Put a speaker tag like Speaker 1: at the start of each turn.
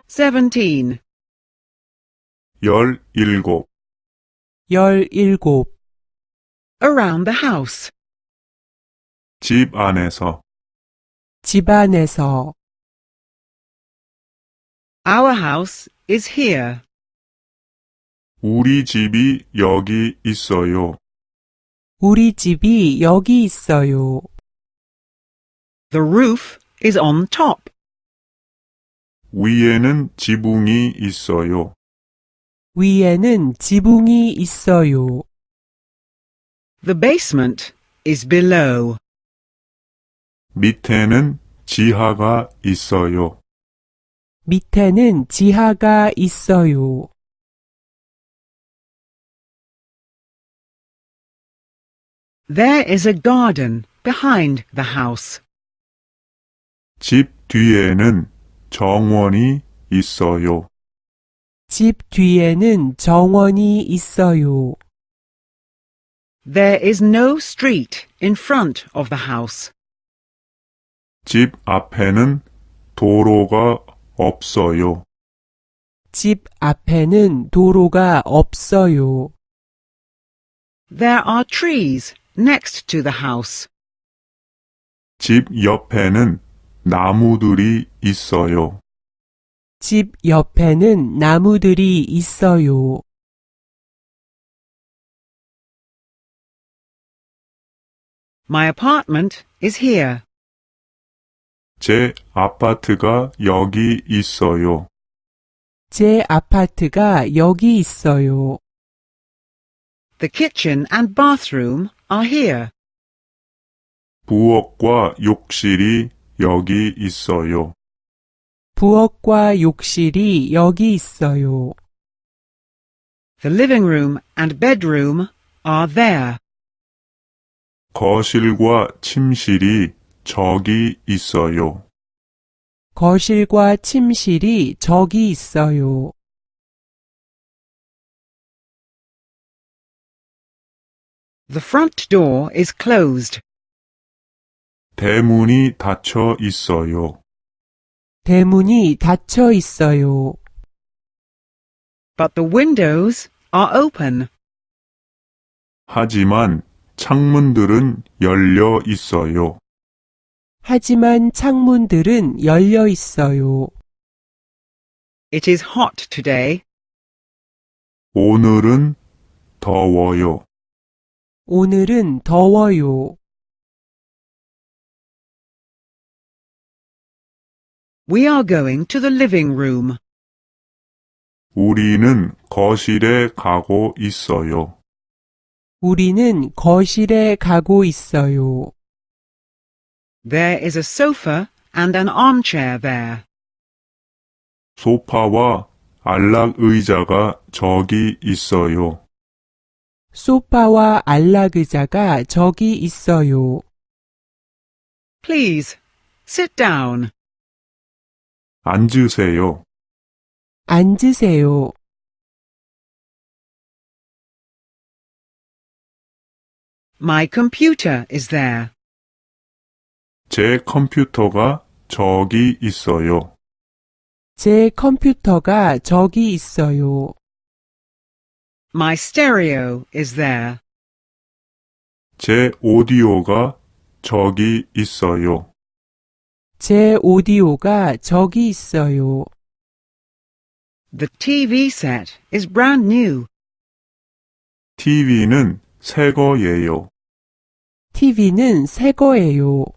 Speaker 1: 17.
Speaker 2: 17.
Speaker 3: 17.
Speaker 1: Around the house.
Speaker 2: 집 안에서.
Speaker 3: 집 안에서.
Speaker 1: Our house is here.
Speaker 2: 우리 집이 여기 있어요.
Speaker 3: 우리 집이 여기 있어요.
Speaker 1: The roof is on top.
Speaker 2: 위에는 지붕이 있어요.
Speaker 3: 위에는 지붕이 있어요.
Speaker 1: The basement is below.
Speaker 2: 밑에는 지하가 있어요.
Speaker 3: 밑에는 지하가 있어요.
Speaker 1: There is a garden behind the house.
Speaker 2: 집 뒤에는 정원이 있어요.
Speaker 3: 집 뒤에는 정원이 있어요.
Speaker 1: There is no street in front of the house.
Speaker 2: 집 앞에는 도로가 없어요.
Speaker 3: 집 앞에는 도로가 없어요.
Speaker 1: There are trees next to the house.
Speaker 2: 집 옆에는 나무들이 있어요.
Speaker 3: 집 옆에는 나무들이 있어요.
Speaker 1: My apartment is here.
Speaker 2: 제 아파트가 여기 있어요.
Speaker 3: 제 아파트가 여기 있어요.
Speaker 1: The kitchen and bathroom are here.
Speaker 2: 부엌과 욕실이 여기 있어요.
Speaker 3: 부엌과 욕실이 여기 있어요.
Speaker 1: The living room and bedroom are there.
Speaker 2: 거실과 침실이 저기 있어요.
Speaker 3: 거실과 침실이 저기 있어요.
Speaker 1: The front door is closed.
Speaker 2: 대문이 닫혀 있어요.
Speaker 3: 대문이 닫혀 있어요.
Speaker 1: But the windows are open.
Speaker 2: 하지만 창문들은 열려 있어요.
Speaker 3: 하지만 창문들은 열려 있어요.
Speaker 1: It is hot today.
Speaker 2: 오늘은 더워요.
Speaker 3: 오늘은 더워요.
Speaker 1: We are going to the living room.
Speaker 2: 우리는 거실에 가고 있어요.
Speaker 3: 우리는 거실에 가고 있어요.
Speaker 1: There is a sofa and an armchair there.
Speaker 2: 소파와 안락 의자가 저기 있어요.
Speaker 3: 소파와 안락의자가 저기 있어요.
Speaker 1: Please, sit down.
Speaker 2: 앉으세요.
Speaker 3: 앉으세요.
Speaker 1: My computer is there.
Speaker 2: 제 컴퓨터가 저기 있어요.
Speaker 3: 제 컴퓨터가 저기 있어요.
Speaker 1: My stereo is there.
Speaker 2: 제 오디오가 저기 있어요.
Speaker 3: 제 오디오가 저기 있어요.
Speaker 1: The TV set is brand new.
Speaker 2: TV는 새 거예요.
Speaker 3: TV는 새 거예요.